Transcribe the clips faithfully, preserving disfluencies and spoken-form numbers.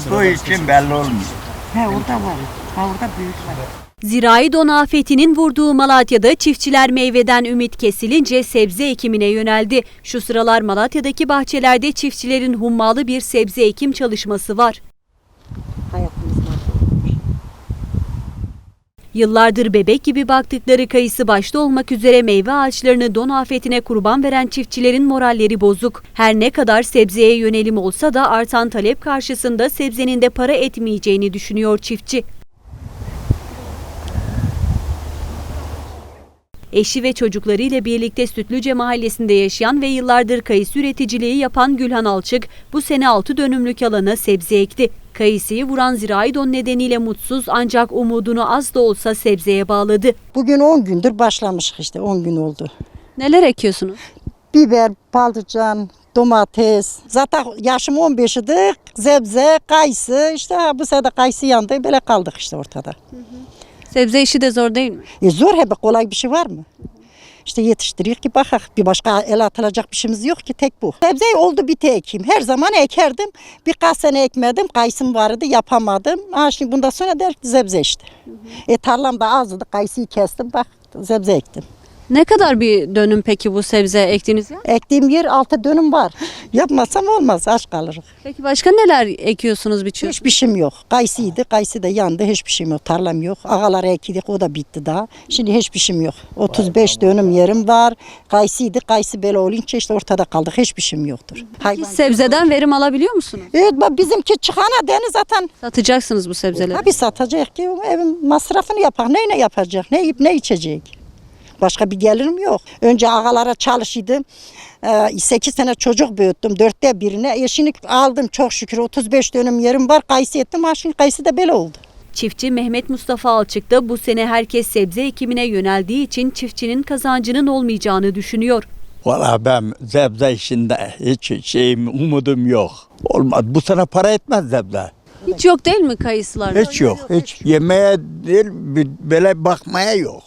Su için belli olmuyor. He orada var. Ha orada büyük var. Zirai don afetinin vurduğu Malatya'da çiftçiler meyveden ümit kesilince sebze ekimine yöneldi. Şu sıralar Malatya'daki bahçelerde çiftçilerin hummalı bir sebze ekim çalışması var. Hayatımız var. Yıllardır bebek gibi baktıkları kayısı başta olmak üzere meyve ağaçlarını don afetine kurban veren çiftçilerin moralleri bozuk. Her ne kadar sebzeye yönelim olsa da artan talep karşısında sebzenin de para etmeyeceğini düşünüyor çiftçi. Eşi ve çocuklarıyla birlikte Sütlüce mahallesinde yaşayan ve yıllardır kayısı üreticiliği yapan Gülhan Alçık bu sene altı dönümlük alana sebze ekti. Kayısıyı vuran zirai don nedeniyle mutsuz ancak umudunu az da olsa sebzeye bağladı. Bugün on gündür başlamış işte on gün oldu. Neler ekiyorsunuz? Biber, patlıcan, domates. Zaten yaşım on beş idi. Sebze, kayısı işte ha, bu sene kayısı yandı. Böyle kaldık işte ortada. Hı hı. Sebze işi de zor değil mi? E zor hep kolay bir şey var mı? İşte yetiştiriyor ki bakak. Bir başka el atılacak bir şeyimiz yok ki tek bu. Sebze oldu bir tek ekeyim. Her zaman ekerdim. Birkaç sene ekmedim. Kayısım vardı yapamadım. Ha şimdi bundan sonra der ki sebze işte. Hı hı. E tarlam da azdı. Kayısıyı kestim bak sebze ektim. Ne kadar bir dönüm peki bu sebze ektiğiniz yer? Ektiğim yer altı dönüm var. Yapmazsam olmaz aç kalırız. Peki başka neler ekiyorsunuz, biçiyorsunuz? Hiçbir şeyim yok. Kayısıydı. Kayısı da yandı. Hiçbir şeyim yok. Tarlam yok. Ağaları ektik. O da bitti daha. Şimdi hiçbir şeyim yok. otuz beş dönüm yerim var. Kayısıydı. Kayısı böyle olunca işte ortada kaldık. Hiçbir şeyim yoktur. Hayvan. Sebzeden verim alabiliyor musunuz? Evet bak bizimki çıkana deniz zaten. Satacaksınız bu sebzeleri. Tabii satacak ki evin masrafını yapar. Neyle yapacak? Ne yiyip ne içecek? Başka bir gelirim yok. Önce ağalara çalışıyordum. sekiz sene çocuk büyüttüm. Dörtte birine. Eşini aldım çok şükür. otuz beş dönüm yerim var. Kayısı ettim. Ha şimdi kayısı da böyle oldu. Çiftçi Mehmet Mustafa Alçık da bu sene herkes sebze ekimine yöneldiği için çiftçinin kazancının olmayacağını düşünüyor. Valla ben sebze işinde hiç şeyim, umudum yok. Olmaz. Bu sene para etmez sebze. Hiç yok değil mi kayısılar? Hiç yok. Hiç yemeğe değil, böyle bakmaya yok.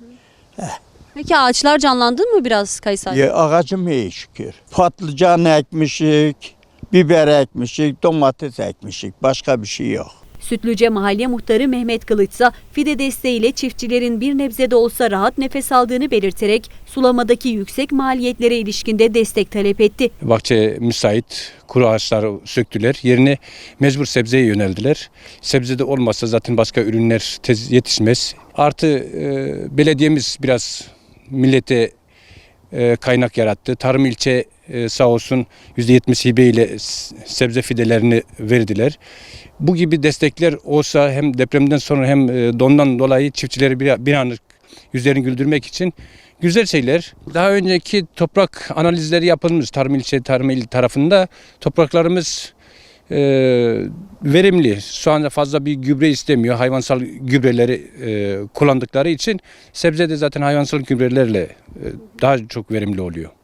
Peki ağaçlar canlandı mı biraz kayısı ağacı? Ya, ağacım iyi şükür. Patlıcan ekmişik, biber ekmişik, domates ekmişik. Başka bir şey yok. Sütlüce Mahalle Muhtarı Mehmet Kılıç ise fide desteğiyle çiftçilerin bir nebze de olsa rahat nefes aldığını belirterek sulamadaki yüksek maliyetlere ilişkinde destek talep etti. Bahçe müsait, kuru ağaçları söktüler. Yerine mecbur sebzeye yöneldiler. Sebzede olmazsa zaten başka ürünler tez yetişmez. Artı e, belediyemiz biraz millete e, kaynak yarattı. Tarım ilçe e, sağ olsun yüzde yetmiş hibe ile sebze fidelerini verdiler. Bu gibi destekler olsa hem depremden sonra hem e, dondan dolayı çiftçileri bir, bir anlık yüzlerini güldürmek için güzel şeyler. Daha önceki toprak analizleri yapılmış Tarım ilçe Tarım il tarafında. Topraklarımız e, verimli. Şu anda fazla bir gübre istemiyor. Hayvansal gübreleri e, kullandıkları için sebze de zaten hayvansal gübrelerle e, daha çok verimli oluyor.